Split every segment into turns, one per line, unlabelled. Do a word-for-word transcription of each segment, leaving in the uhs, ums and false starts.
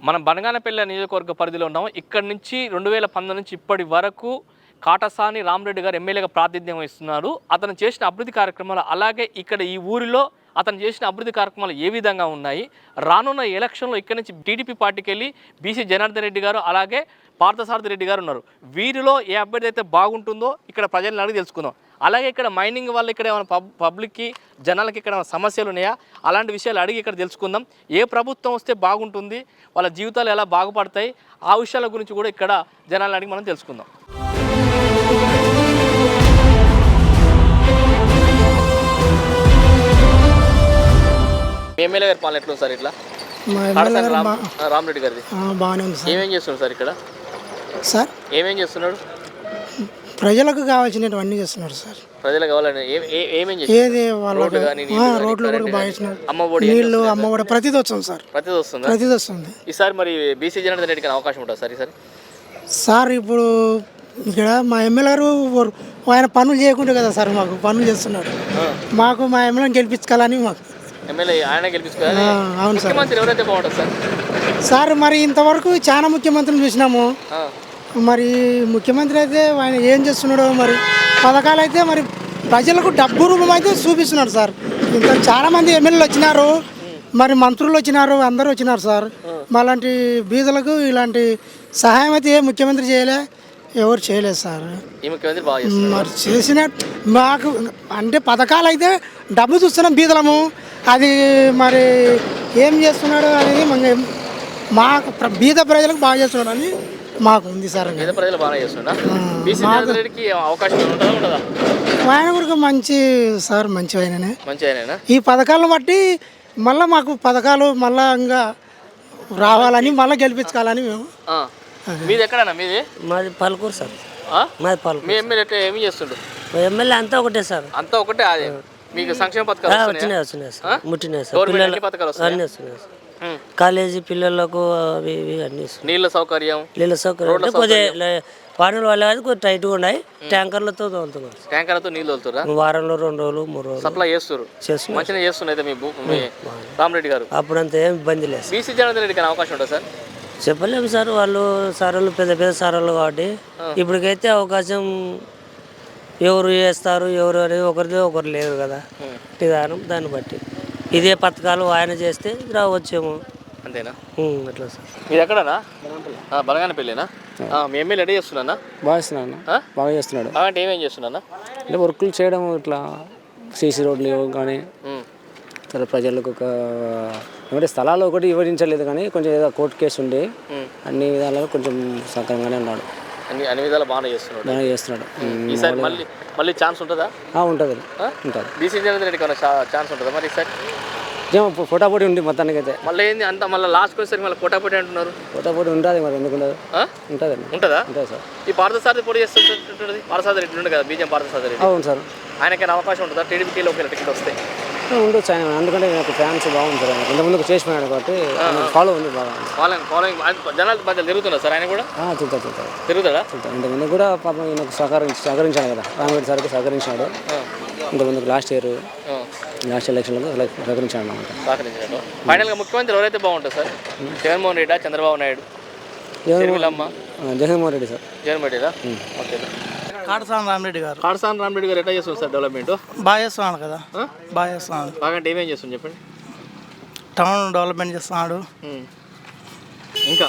మనం బనగానపల్లి నియోజకవర్గ పరిధిలో ఉన్నాం. ఇక్కడ నుంచి రెండు వేల పంతొమ్మిది నుంచి ఇప్పటి వరకు కాటసాని రామరెడ్డి గారు ఎమ్మెల్యేగా ప్రాతినిధ్యం వహిస్తున్నారు. అతను చేసిన అభివృద్ధి కార్యక్రమాలు అలాగే ఇక్కడ ఈ ఊరిలో అతను చేసిన అభివృద్ధి కార్యక్రమాలు ఏ విధంగా ఉన్నాయి, రానున్న ఎలక్షన్లో ఇక్కడ నుంచి టీడీపీ పార్టీకి వెళ్ళి బీసీ జనార్దన్ రెడ్డి గారు అలాగే పార్థసారథి రెడ్డి గారు ఉన్నారు. వీరిలో ఏ అభ్యర్థి అయితే బాగుంటుందో ఇక్కడ ప్రజలను అడిగి తెలుసుకుందాం. అలాగే ఇక్కడ మైనింగ్ వల్ల ఇక్కడ ఏమైనా పబ్ పబ్లిక్కి జనాలకి ఇక్కడ సమస్యలు ఉన్నాయా, అలాంటి విషయాలు అడిగి ఇక్కడ తెలుసుకుందాం. ఏ ప్రభుత్వం వస్తే బాగుంటుంది, వాళ్ళ జీవితాలు ఎలా బాగుపడతాయి, ఆ విషయాల గురించి కూడా ఇక్కడ జనాలను అడిగి మనం తెలుసుకుందాం. ఎమ్మెల్యే గారి పాలన ఎట్లా సార్? ఇట్లా రామరెడ్డి గారిది
బాగానే ఉంది సార్.
ఏమేం చేస్తున్నాడు సార్ ఇక్కడ?
సార్
ఏమేం చేస్తున్నాడు?
ప్రజలకు కావాల్సినవన్నీ చేస్తున్నారు సార్.
ప్రజలకు కావాలని ఏమేం
ఏది వాళ్ళకి రోడ్లు కూడా బాగా చేస్తున్నారు.
అమ్మఒడి,
నీళ్లు, అమ్మఒడి ప్రతిది వస్తుంది సార్.
ప్రతిది వస్తుంది
ప్రతిది వస్తుంది.
ఈసారి మరి బీసీ జనార్దన్ రెడ్డికి అవకాశం ఉంటుంది సార్ ఈసారి?
సార్ ఇప్పుడు ఇక్కడ మా ఎమ్మెల్యే గారు ఆయన పనులు చేయకుంటే కదా సార్ మాకు పనులు చేస్తున్నాడు. మాకు మా ఎమ్మెల్యేని గెలిపించుకోవాలని మాకు
ఎమ్మెల్యే ఆయన గెలిపించుకోవాలి. అవును సార్. ముఖ్యమంత్రి ఎవరైతే బాగుంటుంది సార్? సార్
మరి ఇంతవరకు చాలా ముఖ్యమంత్రులు చూసినాము. మరి ముఖ్యమంత్రి అయితే ఆయన ఏం చేస్తున్నాడో, మరి పథకాలు అయితే మరి ప్రజలకు డబ్బు రూపం అయితే చూపిస్తున్నాడు సార్. ఇంకా చాలామంది ఎమ్మెల్యేలు వచ్చినారు, మరి మంత్రులు వచ్చినారు, అందరూ వచ్చినారు సార్. మాలాంటి బీదలకు ఇలాంటి సహాయం అయితే ఏ ముఖ్యమంత్రి చేయలే, ఎవరు చేయలేదు సార్. మరి చేసిన మాకు అంటే పథకాలు అయితే డబ్బు చూస్తున్నాం బీదలము, అది మరి ఏం చేస్తున్నాడు అనేది మాకు బీద ప్రజలకు బాగా చేస్తున్నాడు అని మాకు ఉంది సార్. ఆయన కూడా మంచి సార్, మంచి ఆయననే. ఈ పథకాలను బట్టి మళ్ళీ మాకు పథకాలు మళ్ళా ఇంకా రావాలని మళ్ళీ గెలిపించుకోవాలని మేము.
మీది ఎక్కడన్నా? మీది
మాది పలుకూరు సార్. మాది పలుకూరు.
మీ ఎమ్మెల్యే ఏమి చేస్తుండ్రు?
ఎమ్మెల్యే అంతా ఒకటే సార్.
అంతా ఒకటే. అదే మీకు సంక్షేమ పథకాలు
వచ్చినాయి వచ్చినాయి సార్, ముట్టినాయి సార్. అన్నీ వస్తున్నాయి సార్. కాలేజీ పిల్లలకు అవి ఇవి అన్ని
నీళ్ళ సౌకర్యం,
నీళ్ళ సౌకర్యం కొద్దిగా వారంలో వాళ్ళ కొద్దిగా టైట్గా ఉన్నాయి. ట్యాంకర్లతో తోలుతున్నారు.
ట్యాంకర్లతో నీళ్ళు తోలుతారా?
వారంలో రెండు రోజులు మూడు రోజులు సప్లై చేస్తారు.
మంచిగా చేస్తున్నాయి మీ రామరెడ్డి గారు.
అప్పుడంతా ఏం ఇబ్బంది లేదు.
బీసీ జనార్దన్ రెడ్డికి అవకాశం ఉంటుంది సార్?
చెప్పలేము సార్, వాళ్ళు సారాలు పెద్ద పెద్ద సారాలు కాబట్టి ఇప్పటికైతే అవకాశం ఎవరు చేస్తారు ఎవరు అనేది ఒకరిదే ఒకరు లేరు కదా విధానం. దాన్ని బట్టి ఇదే పథకాలు ఆయన చేస్తే రావచ్చేమో.
అంతేనా?
అట్లా సార్.
ఇది ఎక్కడనా? బనగానపల్లినా? మీ ఎమ్మెల్యే రెడీ చేస్తున్నా?
బాగా చేస్తున్నాను. బాగా చేస్తున్నాడు.
అంటే ఏమేం చేస్తున్నా?
అంటే వర్కులు చేయడం, ఇట్లా సీసీ రోడ్లు కానీ తర్వాత ప్రజలకు ఒక ఏమంటే స్థలాలు ఒకటి వివరించలేదు కానీ కొంచెం ఏదో కోర్టు కేసు ఉండి అన్ని విధాలుగా కొంచెం సక్రమంగానే ఉన్నాడు.
అన్ని అన్ని విధాలు బాగానే చేస్తున్నాడు.
బాగా చేస్తున్నాడు.
ఈసారి మళ్ళీ మళ్ళీ ఛాన్స్ ఉంటుందా?
ఉంటుంది ఉంటుంది.
బీసీ జనార్దన్ రెడ్డికి ఛాన్స్ ఉంటుందా మరి ఈసారి?
పోటాపోటీ ఉంది మొత్తానికి అయితే.
మళ్ళీ ఏంది అంత మళ్ళీ లాస్ట్ వచ్చేసరికి మళ్ళీ పోటాపోటీ అంటున్నారు.
పోటాపోటీ ఉంటుంది మరి, ఎందుకు ఉండదు? ఉంటుంది.
ఉంటుందా?
ఉంటుంది సార్.
ఈ పార్థసారథి పోటీ చేస్తుంటుంది. పార్థసారథి రెడ్డి ఉండే కదా, బీజేపీ పార్థసారథి రెడ్డి.
అవును సార్.
ఆయనకైనా అవకాశం ఉంటుందా టీడీపీలో ఒకవేళ టికెట్ వస్తే?
ఉండొచ్చు ఆయన, ఎందుకంటే నాకు ఫ్యాన్స్ బాగుంది సార్. ఆయన ఇంతకుముందు చేసిపోయాడు కాబట్టి ఫాలో ఉంది బాగా.
ఫాలోయింగ్ ఫాలోయింగ్ జనాలు మధ్య తిరుగుతున్నారు సార్ ఆయన కూడా?
తిరుగుతాడు తిరుగుతాడు
తిరుగుతాడా?
ఇంతకుముందు కూడా పాపం ఈయనకు సహకరించి సహకరించాడు కదా, రామరెడ్డి సార్కి సహకరించాడు. ఇంతకుముందు లాస్ట్ ఇయర్ లాస్ట్ ఎలక్షన్లో సహకరించాడు అనమాట.
సహకరించాడు. ఫైనల్గా ముఖ్యమంత్రి ఎవరైతే బాగుంటుంది సార్? జగన్మోహన్ రెడ్డా, చంద్రబాబు నాయుడు?
జగన్మోహన్ రెడ్డి సార్.
జగన్మోహన్ రెడ్డా? ఓకే.
కాటసాని రామరెడ్డి గారు.
కాటసాని రామరెడ్డి గారు ఎట్లా చేస్తుంది సార్ డెవలప్మెంట్?
బాగా చేస్తున్నాడు కదా, బాగా చేస్తున్నాడు.
బాగా అంటే ఏమేం చేస్తుంది చెప్పండి?
టౌన్ డెవలప్మెంట్ చేస్తున్నాడు.
ఇంకా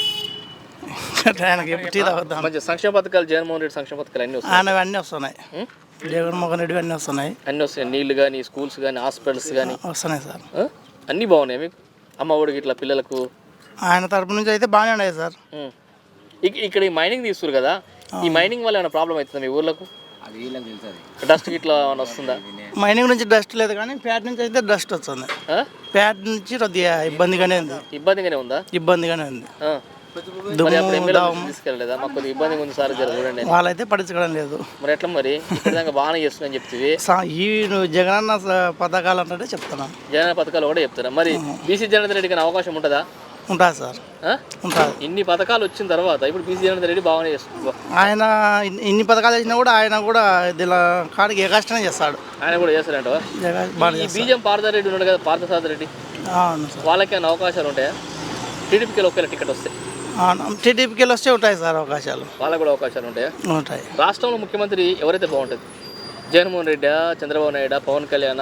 ఆయనకి
మంచి సంక్షేమ పథకాలు, జగన్మోహన్ రెడ్డి సంక్షేమ పథకాలు అన్నీ వస్తాయి.
ఆయన అన్నీ వస్తున్నాయి. జగన్మోహన్ రెడ్డి అన్నీ వస్తున్నాయి.
అన్నీ వస్తున్నాయి. నీళ్లు కానీ, స్కూల్స్ కానీ, హాస్పిటల్స్ కానీ
వస్తున్నాయి సార్.
అన్నీ బాగున్నాయి మీకు? అమ్మ ఒడికి ఇట్లా పిల్లలకు
ఆయన తరపు నుంచి అయితే బాగానే ఉన్నాయి సార్.
ఇక్కడ ఈ మైనింగ్ తీస్తారు కదా, ఈ మైనింగ్ వల్ల ఏమైనా ప్రాబ్లం అవుతుందా మీ ఊర్లకు? డస్ట్ ఇట్లా ఏమైనా వస్తుందా?
మైనింగ్ నుంచి డస్ట్ లేదు కానీ ప్యాట్ నుంచి అయితే డస్ట్ వస్తుంది. ప్యాట్ నుంచి కొద్దిగా ఇబ్బందిగానే ఉంది.
ఇబ్బందిగానే ఉందా?
ఇబ్బందిగానే ఉంది.
తీసుకెళ్ళలేదా? మాకు కొద్దిగా ఇబ్బందిగా ఉంది సార్, చూడండి.
వాళ్ళైతే పట్టించుకోవడం లేదు.
మరి ఎట్లా మరి? ఇక్కడ బాగానే చేస్తుందని చెప్తుంది.
ఈ జగనన్న పథకాలు అంటే చెప్తున్నా,
జగనన్న పథకాలు కూడా చెప్తారా? మరి బీసీ జనార్దన్ రెడ్డికి అవకాశం ఉంటుందా?
ఉంటుంది సార్, ఉంటుంది.
ఇన్ని పథకాలు వచ్చిన తర్వాత ఇప్పుడు బీసీ జనార్దన్ రెడ్డి బాగానే చేస్తుంది.
ఆయన ఇన్ని పథకాలు వచ్చినా కూడా ఆయన కూడా దీని కాడికి ఏ కష్టమే చేస్తాడు.
ఆయన కూడా చేస్తారంట. బీజేపీ పార్థసారథి రెడ్డి ఉన్నాడు కదా, పార్థసారథి రెడ్డి, వాళ్ళకి ఏమైనా అవకాశాలు ఉంటాయా? టీడీపీకి ఒకవేళ టికెట్ వస్తే
టీడీపీకి వెళ్ళి వస్తే ఉంటాయి సార్ అవకాశాలు,
వాళ్ళకు కూడా అవకాశాలు ఉంటాయా?
ఉంటాయి.
రాష్ట్రంలో ముఖ్యమంత్రి ఎవరైతే బాగుంటుంది? జగన్మోహన్ రెడ్డి, చంద్రబాబు నాయుడు, పవన్ కళ్యాణ్,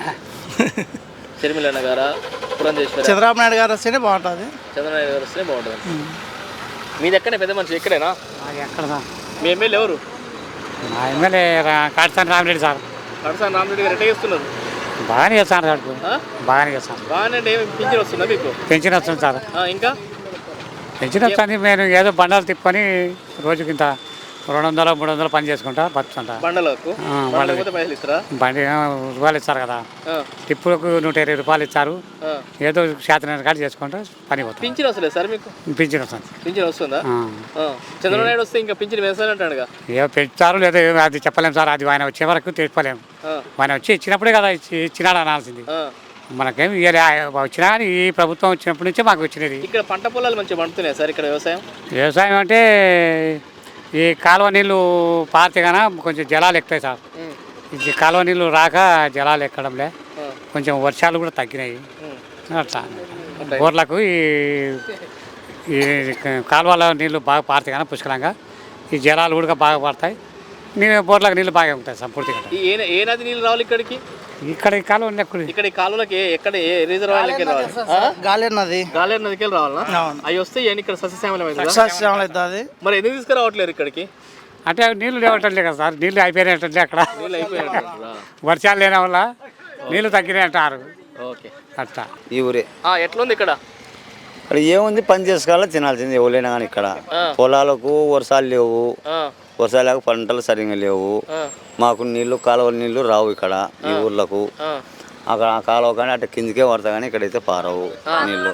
షర్మిలన్న గారా, పురంధేశ్వరి?
చంద్రబాబు నాయుడు గారు వస్తేనే బాగుంటుంది.
చంద్రబాబు నాయుడు గారు వస్తే బాగుంటుంది. మీది ఎక్కడే పెద్ద మనిషి ఎక్కడేనా?
ఎక్కడ సార్
మీ ఎమ్మెల్యే ఎవరు?
మా ఎమ్మెల్యే కాటసాని రామిరెడ్డి సార్.
కడసాని రామరెడ్డి గారు ఎట్లా చేస్తున్నారు?
బాగానే చేస్తాను సార్, బాగానే చేస్తాను.
బాగానే అంటే ఏమి పింఛన్ వస్తుందా మీకు?
పెన్షన్ వస్తుంది సార్,
ఆ, ఇంకా
పెన్షన్ వస్తుంది. నేను ఏదో బండాలు తిప్పుకొని రోజుకి ఇంత రెండు వందలు మూడు వందలు పని చేసుకుంటా బతుకుంటా.
బండలకు పైసలు ఇస్తారా?
బండి రూపాయలు ఇస్తారు కదా, టిప్పులకు నూట ఇరవై రూపాయలు ఇస్తారు. ఏదో శాతం కాదు చేసుకుంటా పని పోతాం.
పింఛన్ వస్తలేదు సార్ మీకు?
పింఛన్ వస్తుంది.
పింఛన్ వస్తుందా? చంద్రబాబు నాయుడు వస్తే ఇంకా పింఛన్ వేస్తానంటాడుగా.
ఏదో పెంచుతారు లేదా అది చెప్పలేము సార్, అది ఆయన వచ్చే వరకు తెలుసుకోలేము. ఆయన వచ్చి ఇచ్చినప్పుడే కదా ఇచ్చి ఇచ్చినాడు అనాల్సింది. మనకేం ఇయ్యాలి, వచ్చినా కానీ ఈ ప్రభుత్వం వచ్చినప్పటి నుంచే మాకు వచ్చినది.
ఇక్కడ పంట పొలాలు మంచిగా పండుతున్నాయి సార్ ఇక్కడ వ్యవసాయం?
వ్యవసాయం అంటే ఈ కాలువ నీళ్ళు పారితే కన్నా కొంచెం జలాలు ఎక్కుతాయి సార్. ఈ కాలువ నీళ్ళు రాక జలాలు ఎక్కడంలే, కొంచెం వర్షాలు కూడా తగ్గినాయి. అట్లా బోర్లకు ఈ ఈ కాలువల నీళ్ళు బాగా పారుతాయి కన్నా పుష్కలంగా, ఈ జలాలు కూడా బాగా పడతాయి. నీళ్ళు బోర్లకు నీళ్ళు బాగా ఉంటాయి సంపూర్తిగా.
ఏ ఏ నది నీళ్ళు రావాలి ఇక్కడికి?
ఇక్కడ ఈ కాలువ
ఇక్కడ ఈ కాలువలకి ఎక్కడ ఏ రిజర్వాయర్లకి రావాలి?
గాలేరు నది,
గాలేరు నదికి వెళ్ళి రావాలా? అవి వస్తే ఇవన్నీ ఇక్కడ సస్యశ్యామలం అవుతుంది. మరి ఎందుకు తీసుకురావట్లేరు ఇక్కడికి?
అంటే నీళ్ళు లేవట్లే కదా సార్, నీళ్ళు అయిపోయినట్లే అక్కడ.
నీళ్ళు అయిపోయినట్టు
వర్షాలు లేని వల్ల నీళ్ళు తగ్గినాయి అంటారు.
ఓకే,
అట్లా
ఈ ఊరే.
ఎట్లుంది ఇక్కడ?
ఇక్కడ ఏముంది, పని చేసుకోవాలా, తినాల్సింది ఎవరైనా కానీ. ఇక్కడ పొలాలకు వర్షాలు లేవు, వర్షాలకు పంటలు సరిగ్గా లేవు. మాకు నీళ్లు కాలువ నీళ్లు రావు ఇక్కడ ఈ ఊర్లకు. అక్కడ ఆ కాలువ కానీ అటు కిందికే పడతా కానీ ఇక్కడైతే పారవు నీళ్ళు.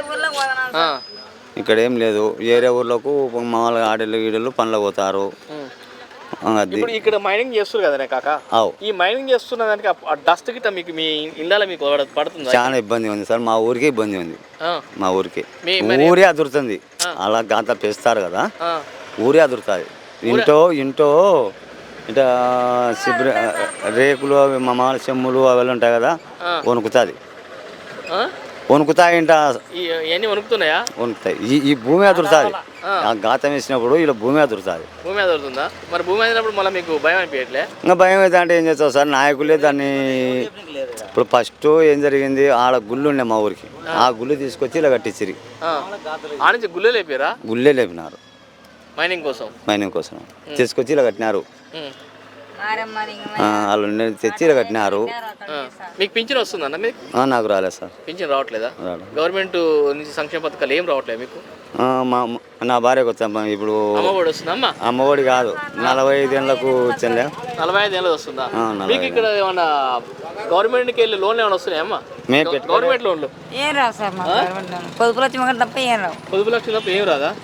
ఇక్కడ ఏం లేదు, ఏరే ఊర్లకు మామూలుగా ఆడలు గీడలు పనులు పోతారు.
ఇప్పుడు ఇక్కడ మైనింగ్ చేస్తారు కదా కాక, ఈ మైనింగ్ చేస్తున్న దానికి ఆ డస్ట్ గిట్ట మీకు మీ ఇళ్ళలో మీకు పడుతుంది?
చాలా ఇబ్బంది ఉంది సార్, మా ఊరికే ఇబ్బంది ఉంది. మా ఊరికి ఊరే అదురుతుంది. అలా గాంత పెస్తారు కదా, ఊరే అదురుతుంది. ఇంటో ఇంటో ఇట శిబిర రేకులు అవి మామూలు చెమ్ములు అవి ఉంటాయి కదా, వణుకుతుంది. వణుకుతాయి ఇంట
ఇవన్నీ వణుకుతున్నాయా?
వణుకుతాయి. ఈ ఈ భూమి అదురుతుంది. ఆ గాతం వేసినప్పుడు ఇలా భూమి అదురుతుంది.
భూమి అదురుతుందా? మరి భూమి అదినప్పుడు మళ్ళీ మీకు భయం అనిపించట్లే?
ఇంకా భయం అయితే అంటే ఏం చేస్తావు సార్, నాయకులే దాన్ని. ఇప్పుడు ఫస్ట్ ఏం జరిగింది, ఆడ గుళ్ళు ఉండే మా ఊరికి, ఆ గుళ్ళు తీసుకొచ్చి ఇలా కట్టించిరి.
ఆ నుంచి గుళ్ళే లేపారా?
గుళ్ళే లేపినారు
మైనింగ్ కోసం.
మైనింగ్ కోసం తీసుకొచ్చి ఇలా కట్టినారు. వాళ్ళు తెచ్చి ఇలా కట్టినారు.
మీకు పింఛన్ వస్తుందన్న? మీకు
నాకు రాలేదు సార్,
పింఛన్ రావట్లేదా? గవర్నమెంట్ నుంచి సంక్షేమ పథకాలు ఏం రావట్లేదు మీకు?
మా నా భార్యకు వచ్చాం ఇప్పుడు.
అమ్మఒడి వస్తుందమ్మా?
అమ్మఒడి కాదు, నలభై ఐదు ఏళ్ళకు వచ్చింది.
నలభై ఐదు ఏళ్ళది వస్తుందా మీకు? ఇక్కడ ఏమన్నా గవర్నమెంట్కి వెళ్ళి లోన్లు ఏమైనా వస్తున్నాయమ్మా? గవర్నమెంట్ లోన్లు
ఏం రావు సార్, పొదుపు లక్ష్యం తప్ప ఏం రావు.
పొదుపు లక్ష్యం తప్ప ఏం రాదా?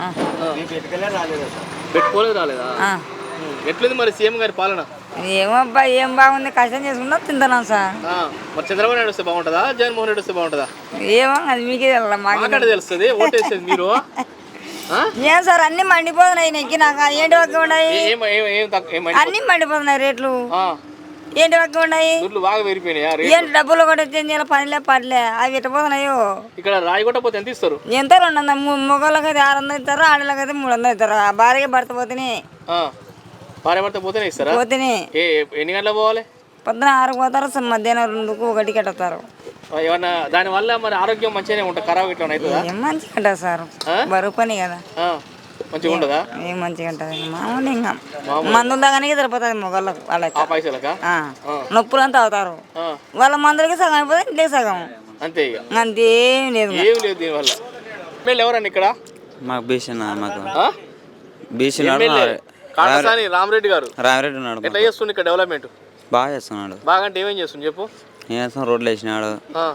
పెట్టుకోలేదు, రాలేదా? ఎట్లుంది మరి సీఎం గారి పాలన?
ఏమబ్బా, ఏం బాగుంది, కష్టం చేసుకుంటా తింటున్నాం సార్.
మరి చంద్రబాబు నాయుడు వస్తే బాగుంటుందా, జగన్మోహన్ రెడ్డి వస్తే బాగుంటుందా?
ఏమో అది మీకే
మాకు తెలుస్తుంది, ఓటేసేది మీరు.
ఏం సార్ అన్ని మండిపోతున్నాయి నెక్కి, నాకు ఏంటి వక్క ఉన్నాయి, అన్ని మండిపోతున్నాయి రేట్లు. ఏంటి వక్క ఉన్నాయి,
బాగా పెరిగిపోయినాయా?
ఏంటి డబ్బులు కూడా చేయాలి, పనిలే పడలే, అవి ఎట్టపోతున్నాయో.
ఇక్కడ రాయి కొట్టపోతే ఎంత ఇస్తారు?
ఎంత రెండు వందలు, మొగళ్ళకి అయితే ఆరు వందలు ఇస్తారు, ఆడలకి అయితే మూడు వందలు ఇస్తారు. భార్య భర్త పోతేనే
భార్య భర్త పోతేనే ఇస్తారా?
పోతేనే.
ఎన్ని గంటలకు పోవాలి?
పొద్దున ఆరుకు పోతారు, మధ్యాహ్నం రెండుకు ఒకటి కట్టుతారు.
ఏమన్నా దానివల్ల మరి ఆరోగ్యం మంచిగానే ఉంటుంది, ఖరాబ్ ఇట్లా అవుతుందా?
ఏం మంచిగా ఉంటుంది సార్, బరువు పని కదా,
మంచిగా ఉంటుందా?
ఏం మంచిగా ఉంటుంది, మామూలు ఇంకా మందులు తాగానే సరిపోతుంది మొగళ్ళకు. వాళ్ళకి
పైసలకా
నొప్పులు అంతా అవుతారు, వాళ్ళ మందులకి సగం అయిపోతే ఇంటికి సగం,
అంతే ఇక.
అంతేం లేదు,
ఏం లేదు దీనివల్ల. వీళ్ళు ఎవరండి ఇక్కడ?
మాకు బీసీ మాకు
బీసీ కాటసాని రామరెడ్డి గారు.
రామరెడ్డి ఉన్నాడు.
ఎట్లా చేస్తుంది ఇక్కడ డెవలప్మెంట్?
బాగా చేస్తున్నాడు.
బాగా అంటే ఏమేం చేస్తుంది చెప్పు?
ఏం చేస్తాం, రోడ్లు వేసినాడు.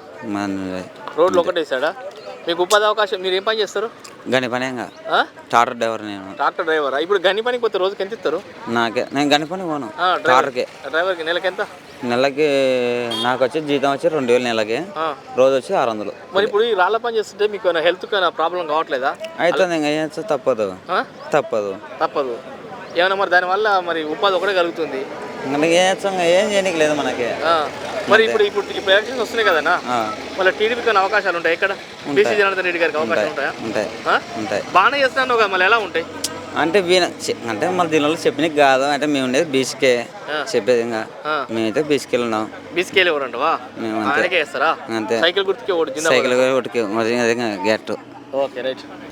రోడ్లు ఒకటి వేసాడా? మీకు ఉపాధి అవకాశం, మీరు ఏం పని చేస్తారు?
గని పని ట్రాక్టర్ డ్రైవర్. నేను
ట్రాక్టర్ డ్రైవర్. ఇప్పుడు గని పనికి పోతే రోజుకి ఎంత ఇస్తారు?
నాకే నేను గని పని పోను, ట్రాక్టర్కి.
డ్రైవర్కి నెలకి ఎంత?
నెలకి నాకు వచ్చి జీతం వచ్చి రెండు వేలు నెలకి, రోజు వచ్చి ఆరు వందలు.
మరి ఇప్పుడు ఈ రాళ్ళ పని చేస్తుంటే మీకు హెల్త్ ప్రాబ్లం కావట్లేదా?
అవుతుంది, ఇంకా ఏం తప్పదు తప్పదు
తప్పదు ఏమన్నా మరి దానివల్ల మరి ఉపాధి ఒకటే కలుగుతుంది.
ఏం ఏం చేయడానికి లేదు మనకి.
మరి ఇప్పుడు ఇప్పుడు ఇప్పుడు ఎలక్షన్స్ వస్తున్నాయి కదన్నా,
ఆ,
మళ్ళీ టీడీపీకి ఏమైనా అవకాశాలు ఉంటాయి ఇక్కడ? బీసీ జనార్దన్ రెడ్డి గారికి అవకాశాలు ఉంటాయా?
ఉంటాయి
ఆ?
ఉంటాయి.
బాగానే చేస్తున్నాను కదా, మళ్ళీ ఎలా ఉంటాయి?
అంటే వీణ చె- అంటే మన దీనిలో చెప్పిన కాదు, అంటే మేము ఉండేది బీసీకే చెప్పేది. ఇంకా మేమైతే బీసీకి ఉన్నాం.
బీసీకేలు ఎవరంటవా?
మేము అంతే.
ఆయనకే వేస్తారా?
అంతే.
సైకిల్ గుర్తుకే ఓటు జిందాబాద్.
సైకిల్ ఒకటి మరి అదే గెట్.
Okay right.